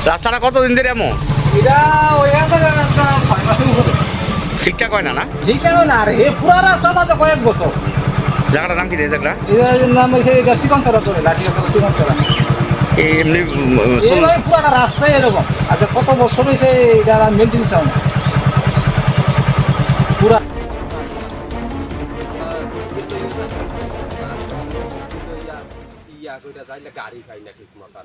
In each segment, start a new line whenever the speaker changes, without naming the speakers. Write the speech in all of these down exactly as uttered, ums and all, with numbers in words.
রাস্তাটা কতদিন ধরে এমন?
এটা ওই ছয় মাসের উপরে
ঠিকঠাক হয় না না?
ঠিকঠাক না রে, পুরা রাস্তাটা তো কয়েক বছর।
জায়গাটার নাম কি রে জায়গাটা?
এটার নাম হয়েছে এটা চিকন ছড়া করে লাঠি গাছ চিকন ছড়া।
এই এমনি উম, চল-
এইভাবে পুরাটা রাস্তায় এরকম। আচ্ছা কত বছর হয়েছে এটা মেনটেন্স হয় না পুরা। গাড়ি খাই না ঠিক মতো।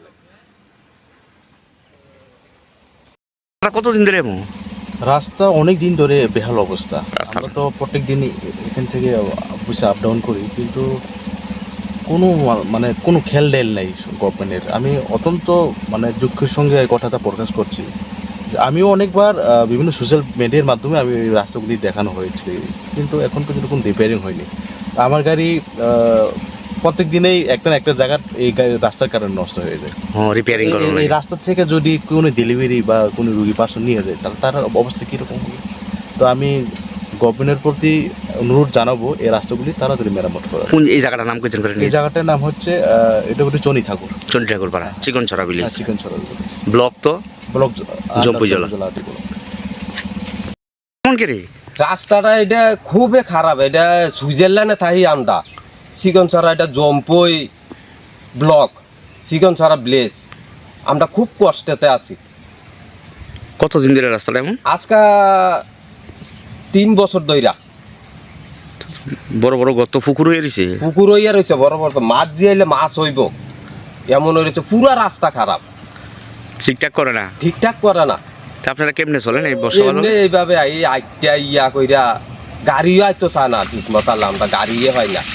রাস্তাটা কতদিন ধরে এমন?
রাস্তা অনেক দিন ধরে বেহাল অবস্থা।
রাস্তা-
আমরা তো প্রত্যেক দিনই এখান থেকে অফিসে আপ ডাউন করি, কিন্তু কোনো মা- মানে কোনো খেল ডেল নেই গভর্নমেন্টের। আমি অত্যন্ত মানে দুঃখের সঙ্গে এই কথাটা প্রকাশ করছি যে আমিও অনেকবার আহ, বিভিন্ন সোশ্যাল মিডিয়ার মাধ্যমে আমি এই রাস্তাগুলি দেখানো হয়েছে, কিন্তু এখন পর্যন্ত কোনো রিপেয়ারিং হয়নি। আমার গাড়ি আহ, প্রত্যেক দিনেই একটা না একটা জায়গার এই গা- রাস্তার কারণে নষ্ট হয়ে যায়।
হ্যাঁ রিপেয়ারিং
এই-
করানো
এই- এই
লাগে।
রাস্তা থেকে যদি কোনো ডেলিভারি বা কোনো রুগী পার্সন নিয়ে যায় তাহলে তার অবস্থা কীরকম হবে? তো আমি গভর্নমেন্টের প্রতি অনুরোধ জানাবো এই রাস্তাগুলি তাড়াতাড়ি মেরামত করা।
কোন এই জায়গাটার নাম কইতেন করে?
এই জায়গাটার নাম হচ্ছে আহ, এটা হচ্ছে চনি ঠাকুর
চন্ডী ঠাকুর পাড়া চিকন ছড়া ভিলেজ
চিকেন ছড়া
ব্লক তো
ব্লক
জম্পু জেলা। কেমন কে রে?
রাস্তাটা এটা খুবই খারাপ। এটা সুইজারল্যান্ডে থাকি আমরা। চিকনছড়া এটা জম্পই ব্লক, চিকনছড়া ভিলেজ। আমরা খুব কষ্টেতে আছি।
কতদিন ধরে রাস্তাটা এমন?
আজকা তিন বছর ধইরা
বড় বড় গর্ত পুকুর হয়ে রয়েছে।
পুকুর হইয়া রয়েছে বড় বড়, মাছ দিয়াইলে মাছ হইব এমন হয়েছে। পুরা রাস্তা খারাপ,
ঠিকঠাক করে না।
ঠিকঠাক করে না।
তা আপনারা কেমনে চলেন এই বর্ষা
এমনি এইভাবে এই আইটা ইয়া কইরা গাড়িও আইতো চা না ঠিক মতো। আমরা গাড়িয়ে হয় না।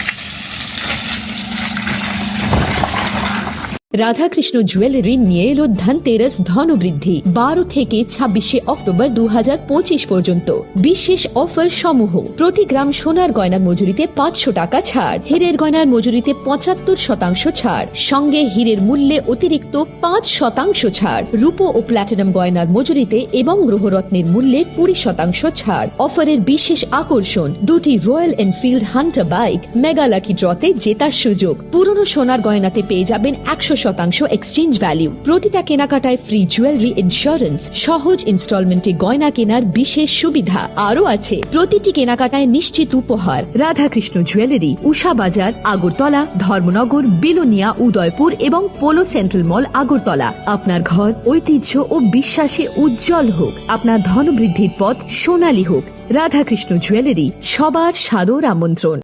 রাধাকৃষ্ণ জুয়েলারি নিয়ে এলো ধনতেরাস ধনবৃদ্ধি বারো থেকে ছাব্বিশে অক্টোবর দু হাজার পঁচিশ পর্যন্ত বিশেষ অফার সমূহ। প্রতি গ্রাম সোনার গয়নার মজুরিতে পাঁচশো টাকা ছাড়, হীরের গয়নার মজুরিতে পঁচাত্তর শতাংশ ছাড়, সঙ্গে হীরের মূল্যে অতিরিক্ত পাঁচ শতাংশ ছাড়, রূপো ও প্ল্যাটিনাম গয়নার মজুরিতে এবং গ্রহরত্নের মূল্যে কুড়ি শতাংশ ছাড়। অফারের বিশেষ আকর্ষণ দুটি Royal Enfield Hunter bike mega lucky ড্রতে জেতার সুযোগ। পুরনো সোনার গয়নাতে পেয়ে যাবেন একশো শতাংশ এক্সচেঞ্জ ভ্যালু। প্রতিটা কেনাকাটায় ফ্রি জুয়েলারি ইন্স্যুরেন্স, সহজ ইনস্টলমেন্টে গয়না কেনার বিশেষ সুবিধা আরও আছে। প্রতিটি কেনাকাটায় নিশ্চিত উপহার। রাধাকৃষ্ণ জুয়েলারি, উষা বাজার, আগরতলা, ধর্মনগর, বিলোনিয়া, উদয়পুর এবং পোলো সেন্ট্রাল মল, আগরতলা। আপনার ঘর ঐতিহ্য ও বিশ্বাসে উজ্জ্বল হোক, আপনার ধনবৃদ্ধির পথ সোনালী হোক। রাধাকৃষ্ণ জুয়েলারি, সবার সাদর আমন্ত্রণ।